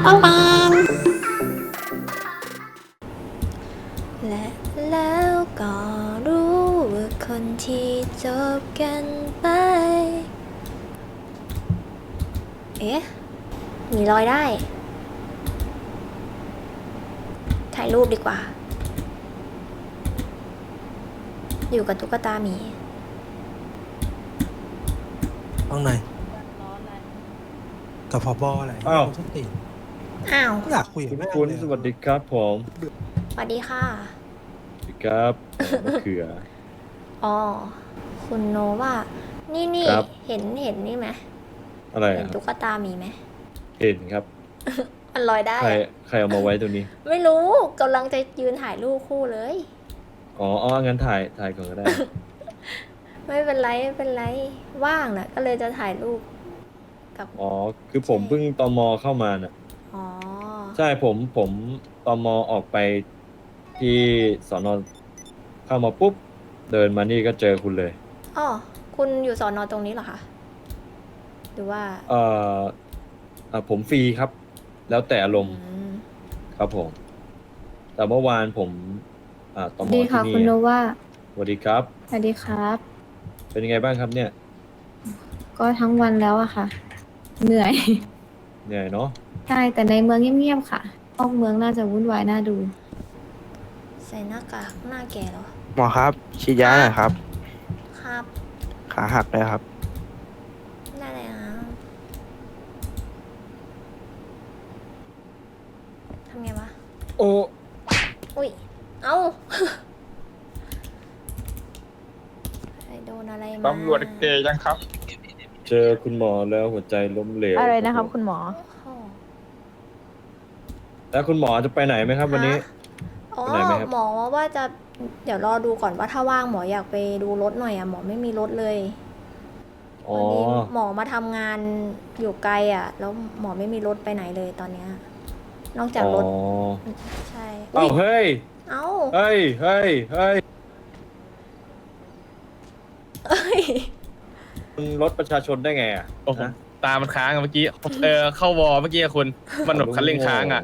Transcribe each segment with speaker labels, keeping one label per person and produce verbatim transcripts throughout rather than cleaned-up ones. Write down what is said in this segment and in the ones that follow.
Speaker 1: ปังปังและแล้วก็รู้ว่าคนที่จบกันไป เอ๊ะ มีรอยได้ ถ่ายรูปดีกว่า อยู่กับตุ๊กตาหมี
Speaker 2: ห้องไหนกับพอบออะไร
Speaker 3: อ้าว
Speaker 2: สติ
Speaker 1: อ้าว
Speaker 2: อยากคุยกับแม่
Speaker 3: คุณ
Speaker 2: เลย
Speaker 3: สวัสดีครับผม
Speaker 1: สวัสดีค่ะ
Speaker 3: สวัสดีครับมะเขือ
Speaker 1: อ๋อ คุณโนว่า นี่นี่
Speaker 3: ครับ
Speaker 1: เห็นเห็นนี่ไหม
Speaker 3: อะไร
Speaker 1: เห็น
Speaker 3: อะครั
Speaker 1: ตุ๊
Speaker 3: บ
Speaker 1: กตาหมีไหม
Speaker 3: เห็นครับ
Speaker 1: มันลอยได้
Speaker 3: ใคร
Speaker 1: อะ
Speaker 3: ใครเอามาไว้ตัวนี้
Speaker 1: ไม่รู้กำลังจะยืนถ่ายรูปคู่เลย
Speaker 3: อ๋ออ๋องั้นถ่ายถ่ายก่อนก็ได้
Speaker 1: ไม่เป็นไรไม่เป็นไร ว่างน่ะ ก็เลยจะถ่ายรูปกับ
Speaker 3: อ๋อ คือผม
Speaker 1: ใช่
Speaker 3: เพิ่งตมเข้ามาน่ะ
Speaker 1: อ๋อ
Speaker 3: ใช่ผมผมตมออกไปที่สอนอเข้ามาปุ๊บ เดินมานี่ก็เจอคุณเลย
Speaker 1: อ๋อ คุณอยู่สอนอตรงนี้เหรอคะ หรือว่า
Speaker 3: เอ่อเอ่อผมฟรีครับ แล้วแต่อารมณ์
Speaker 1: อืม
Speaker 3: ครับผม แต่เมื่อวานผมอ่าตม
Speaker 4: ดี
Speaker 3: ที่
Speaker 4: ค่ะ
Speaker 3: นี่
Speaker 4: คุณโนวา
Speaker 3: สวัสดีครับ
Speaker 4: สวัสดีครับ
Speaker 3: เป็นยังไงบ้างครับเนี่ย
Speaker 4: ก็ทั้งวันแล้วอะค่ะ เหนื่อย
Speaker 3: เหนื่อยเนาะ
Speaker 4: ใช่แต่ในเมืองเงียบๆค่ะนอกเมืองน่าจะวุ่นวายน่าดู
Speaker 1: ใส่หน้ากากหน้าแก่เหรอ
Speaker 5: หมอครับฉีดยาหน่อยครับ
Speaker 1: ครับ
Speaker 5: ขาหักเลยครับ
Speaker 1: ได้เลยนะทำไงวะ
Speaker 3: โอ้
Speaker 1: อุ้ย เอ้า ไอโดนอะไรมา
Speaker 6: ตำรวจเกย์ยังครับ
Speaker 3: เจอคุณหมอแล้วหัวใจล้มเหลว
Speaker 4: อะไรนะครับคุณหมอ
Speaker 1: โอ้โห
Speaker 3: แล้วคุณหมอจะไปไหนไหมครับวันนี้
Speaker 1: ฮะอ๋อ
Speaker 3: ไปไหนไหมครับ
Speaker 1: หมอว่าจะ เดี๋ยวรอดูก่อนว่าถ้าว่างหมออยากไปดูรถหน่อยอะหมอไม่มีรถเลย
Speaker 3: อ๋อ
Speaker 1: วันนี้หมอมาทำงานอยู่ไกลอะแล้วหมอไม่มีรถไปไหนเลยตอนเนี้ย นอกจาก
Speaker 3: อ๋อ
Speaker 1: รถ ใช่
Speaker 3: เอ้าเฮ้ย
Speaker 1: เอ้า
Speaker 3: เฮ้ย เฮ้ย เฮ้ย
Speaker 1: เอ้ย
Speaker 3: คุณรถประชาชนได้ไงอ่ะ
Speaker 6: โอ้โห
Speaker 3: นะ
Speaker 6: ตามันค้างอะเมื่อกี้ เออเข้าวอเมื่อกี้อะคุณ มันแบบคันเร่งค้างอ่ะ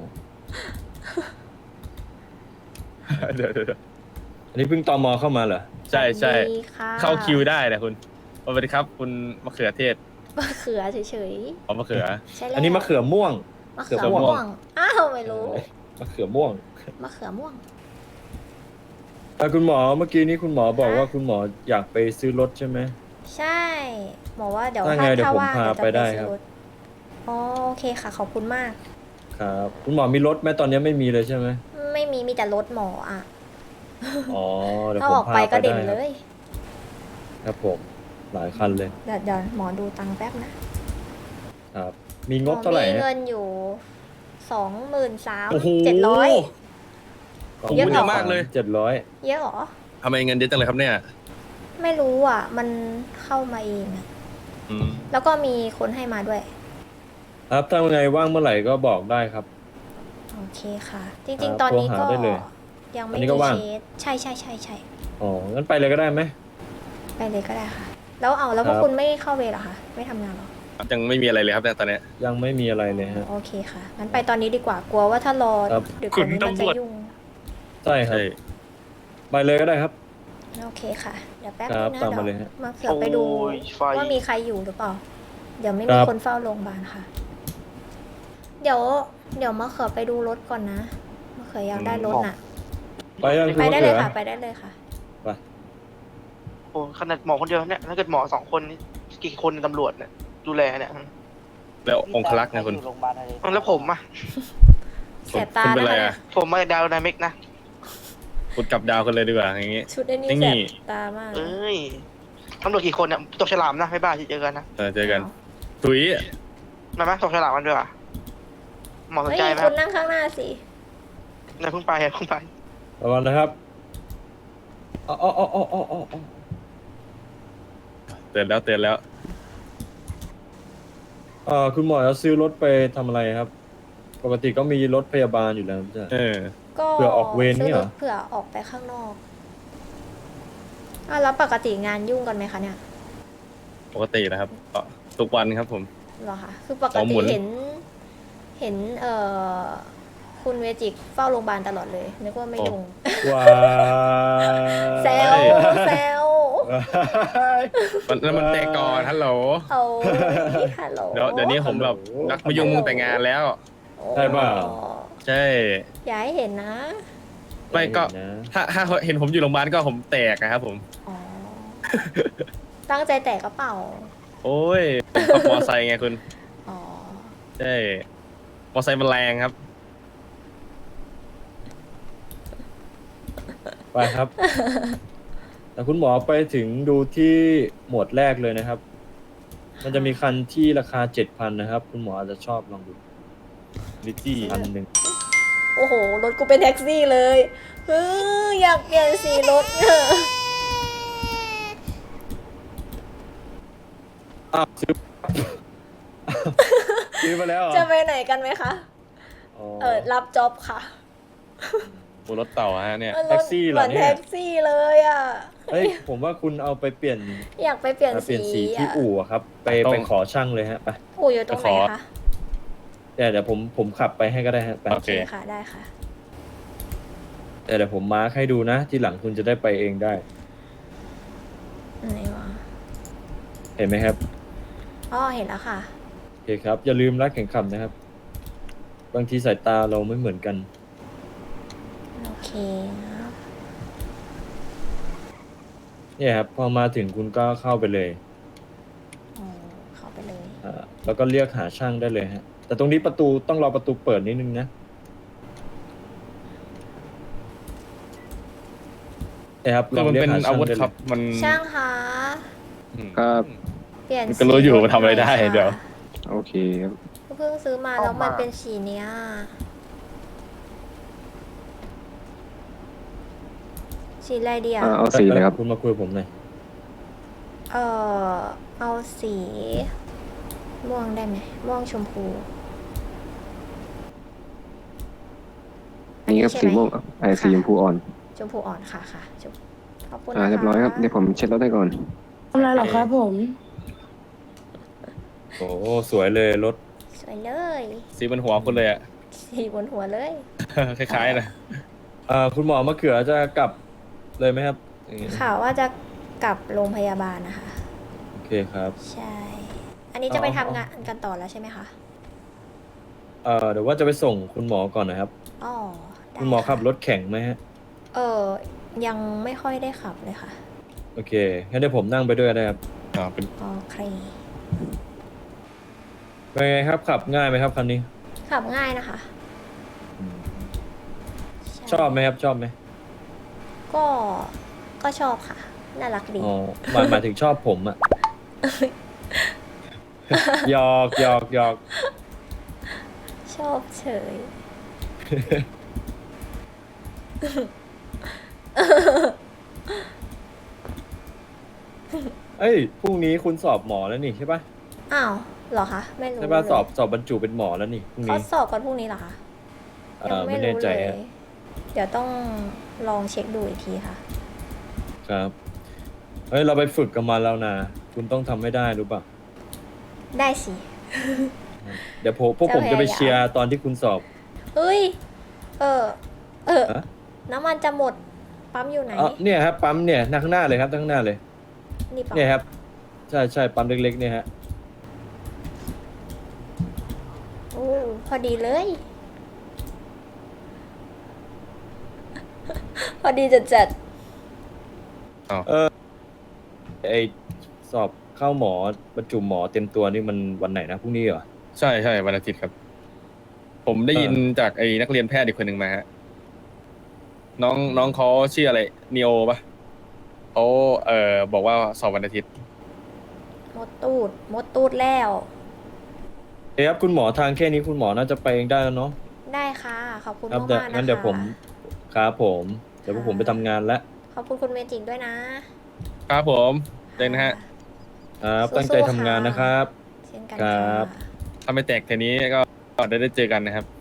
Speaker 6: เดี๋ยวเดี๋ยวเดี๋ยว
Speaker 3: อันนี้เพิ่งตอมอเข้ามาเหรอ
Speaker 6: ใช่ใช่
Speaker 1: สวัสดีค่ะ
Speaker 6: เข้าคิวได้นะคุณสวัสดีครับ คุณมะเขือเทศ
Speaker 1: มะเขือเฉย
Speaker 6: อ๋อมะเขือ
Speaker 1: ๆ ใช่แล้ว
Speaker 3: อันนี้มะเขือม่วง
Speaker 1: มะเขือ
Speaker 3: เขือม่
Speaker 1: ม่
Speaker 3: ว
Speaker 1: ว
Speaker 3: ง
Speaker 1: ง อ้าวไม่รู้
Speaker 3: มะเขือม่วง
Speaker 1: มะเขือม่วง
Speaker 3: แต่คุณหมอเมื่อกี้นี้คุณหมอบอก
Speaker 1: ฮะ
Speaker 3: ว่าคุณหมออยากไปซื้อรถใช่ไหม
Speaker 1: ใช่ บอกว่าเดี๋ยว
Speaker 3: ถ้า
Speaker 1: ถ้า
Speaker 3: ไงเดี๋ยว
Speaker 1: ถ้า
Speaker 3: ผม
Speaker 1: ว่าง
Speaker 3: พา
Speaker 1: เดี๋ยวจะ
Speaker 3: ไป
Speaker 1: ไป
Speaker 3: ได้
Speaker 1: ซื้
Speaker 3: ครั
Speaker 1: อบ รถอ๋อโอเคค่ะ ขอบคุณมาก
Speaker 3: ครับ คุณหมอมีรถไหมตอนนี้ไม่มีเลยใช่ไหม
Speaker 1: ไม่มีมีแต่รถหมออ่ะ
Speaker 3: อ๋อ เดี๋ยว
Speaker 1: ถ้า
Speaker 3: ผม
Speaker 1: ออก
Speaker 3: พา
Speaker 1: ไป
Speaker 3: ไป
Speaker 1: ก็
Speaker 3: ได้
Speaker 1: เด่น
Speaker 3: ค
Speaker 1: เล
Speaker 3: รับ
Speaker 1: ย
Speaker 3: ครับผม หลายคันเลย
Speaker 1: เดี๋ยวเดี๋ยวหมอดูตังค์แป๊บนะ
Speaker 3: ครับ มีงบเท่าไหร่
Speaker 1: มี
Speaker 3: ฮะ
Speaker 1: เงินอยู่สองหมื่นสาม
Speaker 6: โอ้โห
Speaker 1: เจ็ดร้อย
Speaker 3: สง
Speaker 1: เยอะ
Speaker 3: หมื่น
Speaker 1: เหรอ
Speaker 6: มากเลย
Speaker 3: เจ็ดร้อย
Speaker 1: เยอะเหรอ
Speaker 6: ทำไมเงินเยอะจังเลยครับเนี่ย
Speaker 1: ไม่รู้อ่ะ มันเข้ามาเองอ่ะ
Speaker 6: อืม
Speaker 1: แล้วก็มีคนให้มาด้วย
Speaker 3: ครับถ้าไงว่างเมื่อไหร่ก็บอกได้ครับ
Speaker 1: โอเคค่ะ จ
Speaker 3: ครั
Speaker 1: ริง
Speaker 3: บ
Speaker 1: ๆ ตอนนี้
Speaker 3: โทร
Speaker 1: ก็
Speaker 3: หาได้เลย
Speaker 1: ยัง
Speaker 3: อั
Speaker 1: ไม่
Speaker 3: นนี้
Speaker 1: มี
Speaker 3: ก็ว่าง
Speaker 1: เคสใช่ใช่ใช่ใช่
Speaker 3: อ๋อ งั้นไปเลยก็ได้ไหม
Speaker 1: ไปเลยก็ได้ค่ะ แล้วเอาแล้วพวก
Speaker 3: ครับ
Speaker 1: คุณไม่เข้าเวรเหรอคะไม่ทำงานเหรอ
Speaker 6: ยังไม่มีอะไรเลยครับเนี่ยตอนเนี้ย
Speaker 3: ยังไม่มีอะไรเลยฮะ
Speaker 1: โอเคค่ะงั้นไปตอนนี้ดีกว่ากลัวว่าถ้ารอ
Speaker 3: ครับ
Speaker 1: ดึกกว่านี้
Speaker 6: คุณ
Speaker 1: มันจะ
Speaker 6: ตำรวจ
Speaker 1: ยุ่ง
Speaker 3: ใช่ครับ
Speaker 6: ใช่
Speaker 3: ไปเลยก็ได้ครับ
Speaker 1: โอเคค่ะเดี๋ยวแป๊บ
Speaker 3: ครั
Speaker 1: นึ
Speaker 3: บ
Speaker 1: งนะ
Speaker 3: ตามมา
Speaker 1: เดี๋
Speaker 3: เลย
Speaker 1: ยว
Speaker 3: ฮะ
Speaker 1: มาเผื่อไปดู
Speaker 5: โอ้ยไฟ
Speaker 1: ว่ามีใครอยู่หรือเปล่า เดี๋ยวไม่
Speaker 3: ค
Speaker 1: มี
Speaker 3: รับ
Speaker 1: คนเฝ้าโรงพยาบาลค่ะ เดี๋ยว เดี๋ยวมาเขือไปดูรถก่อนนะมาเขืออยากได้รถน่ะ
Speaker 3: ไปยังคุณ
Speaker 1: ไป
Speaker 3: มะ
Speaker 1: ได้เล
Speaker 3: เขื
Speaker 1: ย
Speaker 3: อ
Speaker 1: ค่ะ ไปได้เลยค่ะ
Speaker 3: ไป
Speaker 5: โอ้ขนาดหมอคนเดียวเนี่ยถ้าเกิดหมอสองคนนี่กี่คนในตำรวจเนี่ยดูแลเนี่ย
Speaker 6: แล้วองคลักษณ์นะคุณ
Speaker 5: อ้าวแล้วผมอ่ะ
Speaker 1: แสบตา
Speaker 6: คุณเป็น
Speaker 1: นะ
Speaker 6: ไร
Speaker 1: คะ
Speaker 6: อ่ะ
Speaker 5: ผมมาจากดาวไดนามิกนะ
Speaker 6: คุณกลับดาวกันเลยดีกว่าอย่างงี้
Speaker 1: ชุดไอ้นี่
Speaker 6: นี่
Speaker 1: แสบตามาก
Speaker 5: เอ้ยตำรวจกี่คนเนี่ยตกฉลามนะไม่บ้าที่เจอกันนะ
Speaker 6: เออเจอกันถุย
Speaker 5: มาไหมตกฉลามกันด้วยอ่ะหมอสน
Speaker 1: เฮ้ย
Speaker 5: ใจไหมค
Speaker 1: คุ
Speaker 5: รับ
Speaker 1: ณนั่งข้างหน้าสิ
Speaker 5: นายเพิ่งไปเพิ่งไป
Speaker 3: ระวังนะครับอ๋ออ๋ออ๋ออ๋ออ๋ออ๋อ
Speaker 6: เตือนแล้วเตือนแล้ว
Speaker 3: เอ่อคุณหมอจะซื้อรถไปทำอะไรครับ ปกติก็มีรถพยาบาลอยู่แล้วใช่ไหม
Speaker 6: เออ
Speaker 1: ก็
Speaker 3: เผื่อออกเวรนี่เหรอ
Speaker 1: ซื้ถเผื่อออกไปข้างนอกอ่ะแล้วปกติงานยุ่งกันไหมคะเนี่ย
Speaker 6: ปกตินะครับก็ทุกวันครับผม
Speaker 1: เหรอคะคือปก
Speaker 6: อ๋อห
Speaker 1: ติ
Speaker 6: มุน
Speaker 1: เห็นเห็นเอ่อคุณเวจิกเฝ้าโรงพยาบาลตลอดเลยนึกว่าไม่ยุ่ง
Speaker 3: ว้า
Speaker 1: แซวแซว
Speaker 6: มันแล้วมันแต่ก่อนฮัลโหล
Speaker 1: เอาฮัลโหล
Speaker 6: เดี๋ยวเดี๋ยวนี้ผมแบบรักมายุ่งแต่งงานแล้ว
Speaker 3: ใช่ป่ะ
Speaker 6: ใช่
Speaker 1: อย่าให้เห็นนะ
Speaker 6: ไม่ก็
Speaker 3: นะ
Speaker 6: ถ้าถ้าเห็นผมอยู่โรงพยาบาลก็ผมแตกนะครับผม
Speaker 1: อ๋อ ตั้งใจแตกกระเป๋า
Speaker 6: โอ้ยผมขับมอไซค์ไงคุณ
Speaker 1: อ๋อ
Speaker 6: ใช่มอไซค์มันแรงครับ
Speaker 3: ไปครับ แต่คุณหมอไปถึงดูที่หมวดแรกเลยนะครับ มันจะมีคันที่ราคาเจ็ดพันนะครับ คุณหมออาจจะชอบลองดูลิจี้พันหนึ่ง
Speaker 1: โอ้โห รถกูเป็นแท็กซี่เลยเอออยากเปลี่ยนสีรถเนี่ย
Speaker 3: อ้าวซื้อ ซื้อมาแล้วเหรอ
Speaker 1: จะไปไหนกันไหมคะ
Speaker 3: อ๋อ
Speaker 1: เออ รับจ็อบค่ะ
Speaker 6: บนรถเต่าฮะเนี่ย
Speaker 1: เออ
Speaker 3: แท็กซี่เหรอเนี่ย
Speaker 1: มือนแท็กซี่เลยอ่ะ
Speaker 3: เฮ้ยผมว่าคุณเอาไปเปลี่ยน
Speaker 1: อยากไปเปลี่ยน
Speaker 3: เปลี่
Speaker 1: สี
Speaker 3: ยนสีที่
Speaker 1: อ่ะ
Speaker 3: อู่อะครับ ไป
Speaker 6: ต้อง
Speaker 3: ไปขอช่างเลยฮะไป
Speaker 1: อู่อยู่ตรงไหนคะ
Speaker 3: เดี๋ยวเดี๋ยวผมผมขับไปให้ก็ได้ฮะไป
Speaker 6: โอ
Speaker 1: โอ
Speaker 6: เค
Speaker 1: เคค่ะ ได้ค่ะ
Speaker 3: แต่เดี๋ยวผมมาร์คให้ดูนะ ทีหลังคุณจะได้ไปเองได้
Speaker 1: ไหนวะ
Speaker 3: เห็นไหมครับ
Speaker 1: อ๋อ เห็นแล้วค่ะ
Speaker 3: โอเคครับ อย่าลืมรัดเข็มขัดนะครับ บางทีสายตาเราไม่เหมือนกัน
Speaker 1: โอเคนะ
Speaker 3: เนี่ยครับ พอมาถึงคุณก็เข้าไปเลย
Speaker 1: อ๋อเข้าไปเลย
Speaker 3: อ่าแล้วก็เรียกหาช่างได้เลยฮะ แต่ตรงนี้ประตูต้องรอประตูเปิดนิดนึงนะเนี่ยครับ
Speaker 6: คื
Speaker 3: ล
Speaker 6: อ
Speaker 3: อง
Speaker 6: มัน
Speaker 3: เรียก
Speaker 6: เป็น
Speaker 3: หา
Speaker 6: อา
Speaker 3: ช่าง
Speaker 6: วุธ
Speaker 3: ได้
Speaker 6: ค
Speaker 3: เล
Speaker 6: รับ
Speaker 3: ย
Speaker 6: มัน
Speaker 1: ช่างคะ
Speaker 6: อืม
Speaker 7: ครับ
Speaker 1: เปลี่ยน
Speaker 6: มันก็รู้อยู่
Speaker 1: สี
Speaker 6: ว่าทำอะไรได้
Speaker 1: หน่ย
Speaker 6: เดี๋ยว
Speaker 1: ค่ะ
Speaker 7: โอเคครับ
Speaker 1: เพิ่งซื้อมาแล้วมันเป็นสีเนี้ย สีอะไรดีอ่ะ
Speaker 7: อ่าเอาสีเลยครับ
Speaker 3: คุณมาคุยกับผมหน่อย
Speaker 1: เออเอาสี ม่วงได้ไหมม่วงชมพู
Speaker 7: อันนี้ครับ
Speaker 1: ใช่
Speaker 7: สี
Speaker 1: ไหม
Speaker 7: ม่วงอ่ะไอ้สีชมพูอ่อน
Speaker 1: ชมพูอ่อนค่ะค่ะชมขอบคุณ
Speaker 7: อ่า
Speaker 1: นะคะ
Speaker 7: เรียบร้อยครับ เดี๋ยวผมเช็ดรถให้ก่อน
Speaker 4: ทำอะไรหรอครับผม
Speaker 3: โอ้สวยเลยรถ
Speaker 1: สวยเลย
Speaker 6: สีบนหัวคุณเลยอะ
Speaker 1: สีบนหัวเลย
Speaker 6: คล้ายๆนะ
Speaker 3: อ่าคุณหมอมะเขือจะกลับเลยไหมครับอย่างงี้
Speaker 1: ข่าวว่าจะกลับโรงพยาบาลนะคะ
Speaker 3: โอเคครับ
Speaker 1: ใช่ อันนี้จะไป
Speaker 3: อ๋อ
Speaker 1: ทำงานกันต่อแล้วใช่ไหมคะ
Speaker 3: เอ่อเดี๋ยวว่าจะไปส่งคุณหมอก่อนนะครับ
Speaker 1: อ๋อได้
Speaker 3: คุณหมอขับ
Speaker 1: ะ
Speaker 3: รถแข่งไหมฮะ
Speaker 1: เออ ยังไม่ค่อยได้ขับเลยค่ะ
Speaker 3: โอเคงั้นเดี๋ยวผมนั่งไปด้วยได้ครับ
Speaker 6: อ๋อเป็น
Speaker 1: โอเค
Speaker 3: เป็นไงครับขับง่ายไหมครับคันนี้
Speaker 1: ขับง่ายนะคะใ
Speaker 3: ชอบไหมครับชอบไหม
Speaker 1: ก็ ก็ชอบค่ะ น่ารักดี
Speaker 3: อ๋อหมายหมายถึงชอบผมอะ หยอกหยอกหยอก
Speaker 1: ชอบเฉย
Speaker 3: เอ้ยพรุ่งนี้คุณสอบหมอแล้วนี่ใช่ปะ
Speaker 1: อ้าวเหรอคะ ไม่รู้
Speaker 3: ใช่ปะ
Speaker 1: เลย
Speaker 3: สอบสอบบรรจุเป็นหมอแล้วนี่พรุ่ง
Speaker 1: เขา
Speaker 3: นี้
Speaker 1: สอบกันพรุ่งนี้เหรอคะ
Speaker 3: เอ
Speaker 1: ยัง
Speaker 3: อ
Speaker 1: ไม่
Speaker 3: ไม่แน่
Speaker 1: รู้
Speaker 3: ใจ
Speaker 1: เลย
Speaker 3: อะ
Speaker 1: เดี๋ยวต้องลองเช็คดูอีกทีค่ะ
Speaker 3: ครับเฮ้ยเราไปฝึกกันมาแล้วนะคุณต้องทำให้ได้รู้ป่ะ
Speaker 1: ได้สิ
Speaker 3: เดี๋ยวผมพวกผมจะไปเชียร์ตอนที่คุณสอบ
Speaker 1: เอ้ย เออ เออ
Speaker 3: ฮะ
Speaker 1: น้ำมันจะหมด ปั๊มอยู่ไหน
Speaker 3: อ๋อเนี่ยครับปั๊มเนี่ยหน้าข้างหน้าเลยครับข้างหน้าเลย
Speaker 1: นี่ปั๊ม
Speaker 3: เนี่ยครับใช่ใช่ปั๊มเล็กๆเนี่ยฮะ
Speaker 1: โอ้พอดีเลย พอดีจัดจัด
Speaker 3: ไอสอบเข้าหมอบรรจุหมอเต็มตัวนี่มันวันไหนนะพรุ่งนี้เหรอ
Speaker 6: ใช่ใช่วันอาทิตย์ครับ ผมได้ยิน
Speaker 3: เออ
Speaker 6: จากไอ้นักเรียนแพทย์อีกคนหนึ่งมาฮะน้องน้องเขาชื่ออะไรนีโอปะเขาเอ่อบอกว่าสอบวันอาทิตย์
Speaker 1: มดตูด มดตูดแล้ว
Speaker 3: เอ๊ะครับคุณหมอทางแค่นี้คุณหมอน่าจะไปเองได้แล้วเนาะ
Speaker 1: ได้ค่ะ ขอบคุณ
Speaker 3: ครับ
Speaker 1: มาก
Speaker 3: เดี๋ยว
Speaker 1: มากๆนะคะ
Speaker 3: งั้นเดี๋ยวผมครับผมเดี๋ยวพวกผมไปทำงานแล้ว
Speaker 1: ขอบคุณคุณเมจิกด้วยนะ
Speaker 6: ครับผมเลยนะฮะ
Speaker 3: ครับตั้งใจทำงานนะครับ
Speaker 1: เช่นกัน
Speaker 3: ครั
Speaker 1: ค่ะ
Speaker 3: บ
Speaker 6: ถ้าไม่แตกแค่นี้ก็ได้ได้เจอกันนะครับ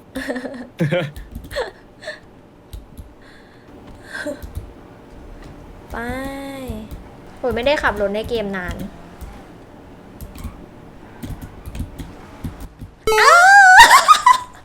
Speaker 1: ไปโอ้ยไม่ได้ขับรถในเกมนาน อ้าว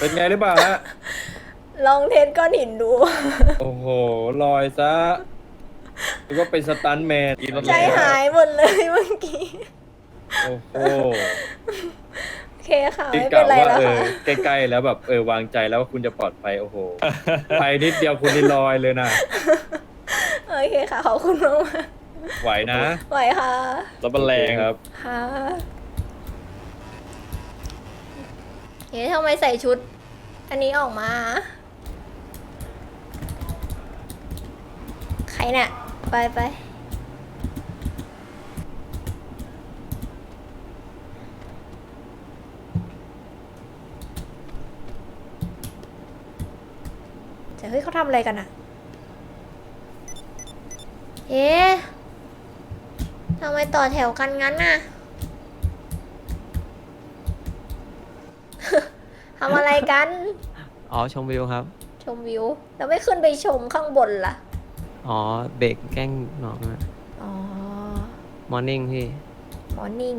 Speaker 3: เป็นไงหรือเปล่าฮะ
Speaker 1: ลองเทสก้อนหินดู
Speaker 3: โอ้โหลอยซะหรือว่าเป็นสตันท์แมน
Speaker 1: ใจหายหมดเลยเมื่อกี้
Speaker 3: โอ้โห
Speaker 1: โอเคค่ะ
Speaker 3: ที่
Speaker 1: ไม่
Speaker 3: ก
Speaker 1: เป็น
Speaker 3: ล่าว
Speaker 1: ไร
Speaker 3: ว่า
Speaker 1: แล้ว
Speaker 3: เอ
Speaker 1: ค่ะ
Speaker 3: อใกล้ๆแล้วแบบเออวางใจแล้วว่าคุณจะปลอดภัยโอ้โหไปนิดเดียวคุณนี่ลอยเลยนะ
Speaker 1: โอเคค่ะขอบคุณมาก
Speaker 3: ไหวนะ
Speaker 1: ๆไหวค่ะ
Speaker 6: รถมันแรง
Speaker 3: ครับ
Speaker 1: ค่ะเฮ้ยทำไมใส่ชุด อันนี้ออกมา ใครเนี่ยไปไปแต่เฮ้ยเขาทำอะไรกันอะเอ๊ะทำไมต่อแถวกันงั้นน่ะ ทำอะไรกัน
Speaker 8: อ๋อชมวิวครับ
Speaker 1: ชมวิว แล้วไม่ขึ้นไปชมข้างบนล่ะ
Speaker 8: อ๋อเบรกแกล้งหนองอะ
Speaker 1: อ๋อ
Speaker 8: มอร์นิ่งพี่
Speaker 1: มอร์นิ่ง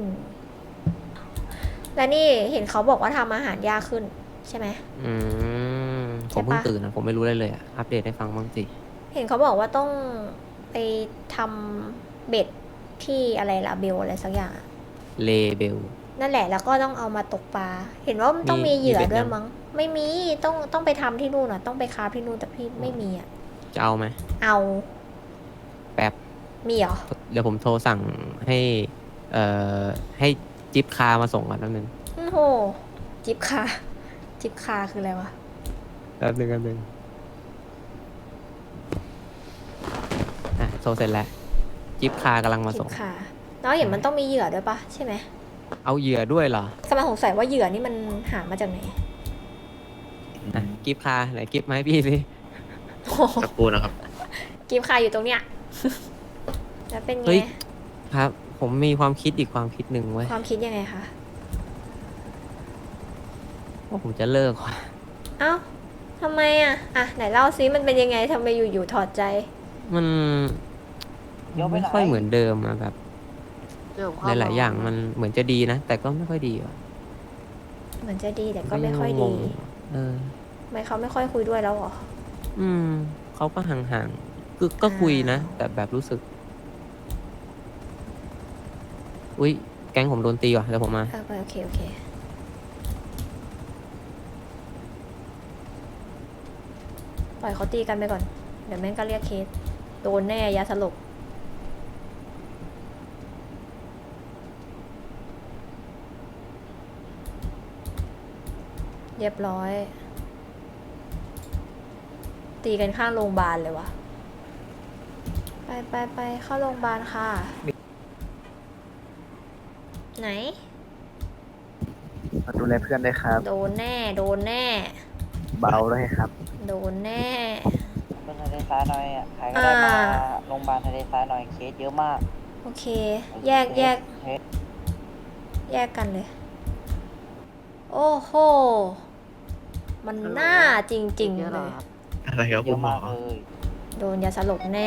Speaker 1: และนี่เห็นเขาบอกว่าทำอาหารยากขึ้น ใช่ไหม
Speaker 8: อืม
Speaker 1: ใช่
Speaker 8: ผมเพิ่ง
Speaker 1: ปะ
Speaker 8: ตื่นนะผมไม่รู้เลยเลยอะอัปเดตให้ฟังบ้างสิ
Speaker 1: เห็นเขาบอกว่าต้องไปทำเบ็ดที่อะไรล่ะเบลอะไรสักอย่างอะ
Speaker 8: เลเบล
Speaker 1: นั่นแหละแล้วก็ต้องเอามาตกปลา เห็นว่ามันต้อง
Speaker 8: มี
Speaker 1: มีเหยื่อ
Speaker 8: มีเบ็ด
Speaker 1: ด้วย
Speaker 8: ยัง
Speaker 1: มั้ง ไม่มี ต้องต้องไปทำที่นู่นอ่ะ ต้องไปคราฟที่นู่นแต่พี่ไม่มีอ่ะ
Speaker 8: จะเอาไหม
Speaker 1: เอา
Speaker 8: แป๊บ
Speaker 1: มีเหรอ
Speaker 8: เดี๋ยวผมโทรสั่งให้ เอ่อ ให้จิ๊บคามาส่งก่อนแป๊บนึง
Speaker 1: โอ้โห จิบคา จิบคาคืออะไรวะ
Speaker 8: แป๊บนึงแป๊บนึงอ่ะโทรเสร็จแล้ว จิ๊บคากำลังมา
Speaker 1: จิ
Speaker 8: ส่
Speaker 1: บ
Speaker 8: ง
Speaker 1: คาแล้วเห็นมันต้องมีเหยื่อด้วยปะใช่ไหม
Speaker 8: เอาเหยื่อด้วยเหรอ
Speaker 1: กำลังสงสัยว่าเหยื่อนี่มันหามาจากไหน
Speaker 8: อ่ะกิฟคาไหนกิฟมาให้พี่สิ
Speaker 1: โอ้โห
Speaker 2: สักครู่นะครับ
Speaker 1: กิบคาอยู่ตรงเนี้ย แล้วเป็นไง
Speaker 8: เฮ้ย ครับ ผมมีความคิดอีกความคิดหนึ่งไว้ย
Speaker 1: ความคิดยังไงคะ
Speaker 8: ว่าผมจะเลิกว่ะ
Speaker 1: เอ้าทำไมอ่ะ อ่ะ ไหนเล่าซิมันเป็นยังไงทำไมอยู่ๆถอดใจ
Speaker 8: มันมันไม่ค่อยเหมือนเดิมอะแบบหลายๆอย่างมันเหมือนจะดีนะ แต่ก็ไม่ค่อยดีว่ะ
Speaker 1: เหมือนจะดีแต่ก็ไม่ค่อย
Speaker 8: ง
Speaker 1: ดี
Speaker 8: งๆเออ
Speaker 1: ทำไมเขาไม่ค่อยคุยด้วยแล้วเหรอ
Speaker 8: อืมเขาก็ห่างๆคือก็คุยนะ แต่แบบรู้สึก อุ้ยแก๊งผมโดนตีว่ะเดี๋ยวผมมา
Speaker 1: เออไปโอเคโอเค ปล่อยเขาตีกันไปก่อน เดี๋ยวแม่งก็เรียกเคส โดนแน่ยาสลบ เรียบร้อย ตีกันข้างโรงพยาบาลเลยวะไปไปไปเข้าโรงพยาบาลค่ะ ไหน
Speaker 9: ดูแลเพื่อนด้วยครับ
Speaker 1: โดนแน่ โดนแน่
Speaker 9: เบาด้วยครับ
Speaker 1: โดนแน่
Speaker 10: เป็นทะเลทรายหน่อยอ่ะ ใครก็ได้มา
Speaker 1: อ่า
Speaker 10: โรงพยาบาลทะเลทรายหน่อยเคสเยอะมาก
Speaker 1: โอเค แยกแยก
Speaker 10: เคส
Speaker 1: แยกกันเลย โอ้โห มันน่าจริงๆเลย
Speaker 2: อะไรครับ
Speaker 10: เย
Speaker 2: คุ
Speaker 10: อะ
Speaker 2: ณหมอ
Speaker 10: มากเลย
Speaker 1: โดนยาสลบแน่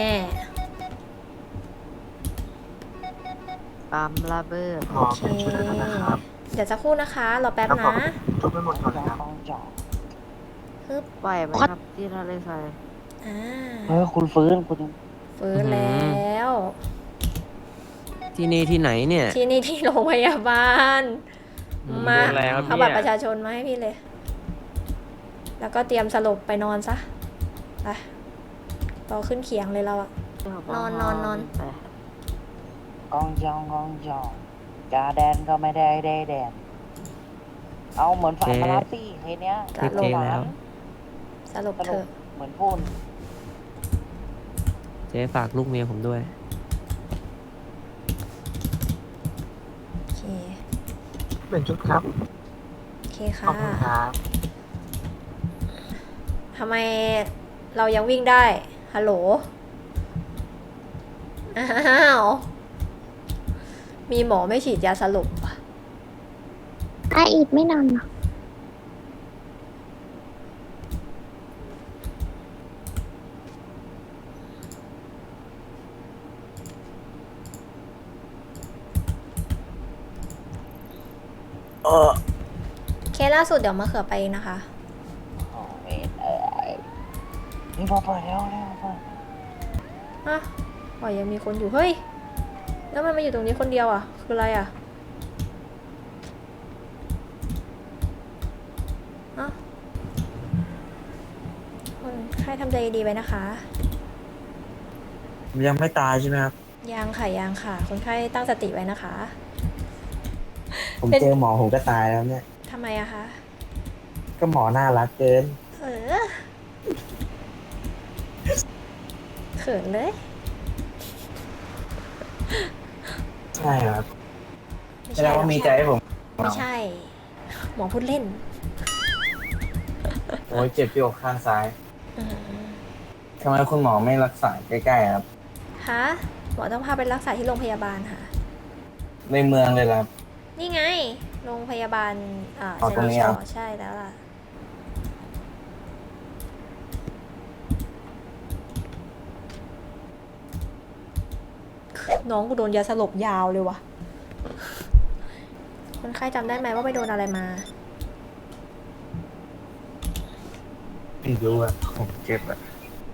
Speaker 10: ตามระเบิด
Speaker 9: หมอเป็นชุดแล้วนะครับ
Speaker 1: เดี๋ยวจะครู่นะคะ รอแป๊บ
Speaker 9: แล้วขอ
Speaker 1: นะ
Speaker 9: ชุบไปหมดก่อน
Speaker 10: จอ
Speaker 9: ครับ
Speaker 10: งจอง
Speaker 1: ฮึบ
Speaker 10: ไหวไหมครับที่ทะเลทราย
Speaker 1: อ่า
Speaker 10: เออคุณฟื้นคุณ
Speaker 1: ฟื้นแล้ว
Speaker 8: ที่นี่ที่ไหนเนี่ย
Speaker 1: ที่นี่ที่โรงพยาบาล
Speaker 8: อืม
Speaker 1: มา
Speaker 8: โดนอะไรครับ
Speaker 1: เอา
Speaker 8: เนี่ย
Speaker 1: บัตรประชาชนมาให้พี่เลย แล้วก็เตรียมสลบไปนอนซะ ไปรอขึ้นเขียงเลยเราอะ นอนนอนนอน
Speaker 10: กองจองกองจองจาแดนก็ไม่ได้ได้แดน เอาเหมือนฝันมารับสิเคสเนี้ย
Speaker 1: สลบ
Speaker 10: หวาน
Speaker 1: สลบ
Speaker 10: ส
Speaker 1: เถ
Speaker 10: รุป
Speaker 1: อะ
Speaker 10: เหมือนพูด
Speaker 8: เจ๊ฝากลูกเมียผมด้วย
Speaker 1: โอเค
Speaker 9: เป็นชุดครับ
Speaker 1: โอเค
Speaker 9: ขอ
Speaker 1: ค่ะ
Speaker 9: บคุณครับ
Speaker 1: ทำไมเรายังวิ่งได้ ฮัลโหล อ้าว มีหมอไม่ฉีดยาสลบว่ะ
Speaker 4: อาอีกไม่นานหรอ
Speaker 1: เคสล่าสุดเดี๋ยวมาเขือไปนะคะ
Speaker 10: นี่พอเปิดแล้วเนี่ยเปิด
Speaker 1: อ่ะอ๋อยังมีคนอยู่เฮ้ยแล้วมันมาอยู่ตรงนี้คนเดียวอ่ะคืออะไรอ่ะอ่ะคนไข้ทำใจดีๆไว้นะคะ
Speaker 2: ผมยังไม่ตายใช่ไหมครับ
Speaker 1: ยังค่ะยังค่ะ คนไข้ตั้งสติไว้นะคะ
Speaker 2: ผม
Speaker 1: เป็น
Speaker 2: เจอหมอผมก็ตายแล้วเนี่ย
Speaker 1: ทำไมอะคะ
Speaker 2: ก็หมอน่ารักเกิน
Speaker 1: เออเขินเลย
Speaker 2: ใช่ครับ
Speaker 1: ไม่
Speaker 2: แส
Speaker 1: ใช่
Speaker 2: ดงว่ามีใจให้ผม
Speaker 1: ไม่ใช่ หมอพูดเล่น
Speaker 2: โอ้ยเจ็บที่อกข้างซ้าย
Speaker 1: อืม
Speaker 2: ทำไมคุณหมอไม่รักษาใกล้ๆครับ
Speaker 1: ฮะหมอต้องพาไปรักษาที่โรงพยาบาลค่ะ
Speaker 2: ในเมืองเลยครับ
Speaker 1: นี่ไง โรงพยาบาลอ่า
Speaker 2: อ๋อ
Speaker 1: เซ
Speaker 2: ตรงนี้
Speaker 1: นิ
Speaker 2: เหร
Speaker 1: ช
Speaker 2: อ
Speaker 1: อใช่แล้วล่ะ น้องกูโดนยาสลบยาวเลยว่ะ คนไข้จำได้ไหมว่าไปโดนอะไรมา
Speaker 2: ไม่รู้อ่ะผมเจ็บอ่ะ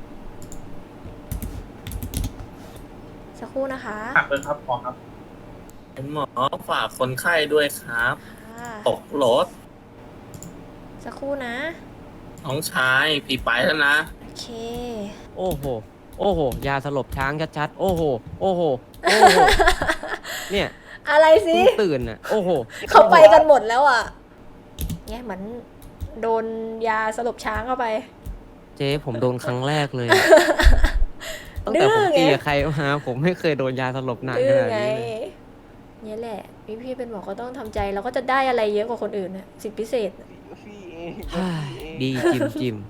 Speaker 1: สักครู่นะคะ
Speaker 9: หักเลยครับหมอครับเป็นหมอฝากคนไข้ด้วยครับ
Speaker 1: ค่ะ
Speaker 9: ตกรถ
Speaker 1: สักครู่นะ
Speaker 9: น้องชายพี่ไปแล้วนะ
Speaker 1: โอเค
Speaker 8: โอ้โห โอ้โห ยาสลบช้างชัดๆ โอ้โห โอ้โห โอ้โห เนี่ย
Speaker 1: อะไรสิ
Speaker 8: เพิ่งตื่นอ่ะ โอ้โห
Speaker 1: เขาไปกันหมดแล้วอ่ะเนี่ยเหมือนโดนยาสลบช้างเข้าไป
Speaker 8: เจ๊ผมโดนครั้งแรกเลยอะตั้งแต่ผมตีกับใครมาผมไม่เคยโดนยาสลบหนัก
Speaker 1: ดื้
Speaker 8: ข
Speaker 1: อ
Speaker 8: นาด
Speaker 1: ไง
Speaker 8: นี้เลย
Speaker 1: เนี่ยแหละพี่พี่เป็นหมอก็ต้องทำใจเราก็จะได้อะไรเยอะกว่าคนอื่นน่ะสิทธิพิเศษน่ะ
Speaker 10: พี่เอง
Speaker 8: เฮ้ยดีจิมจิม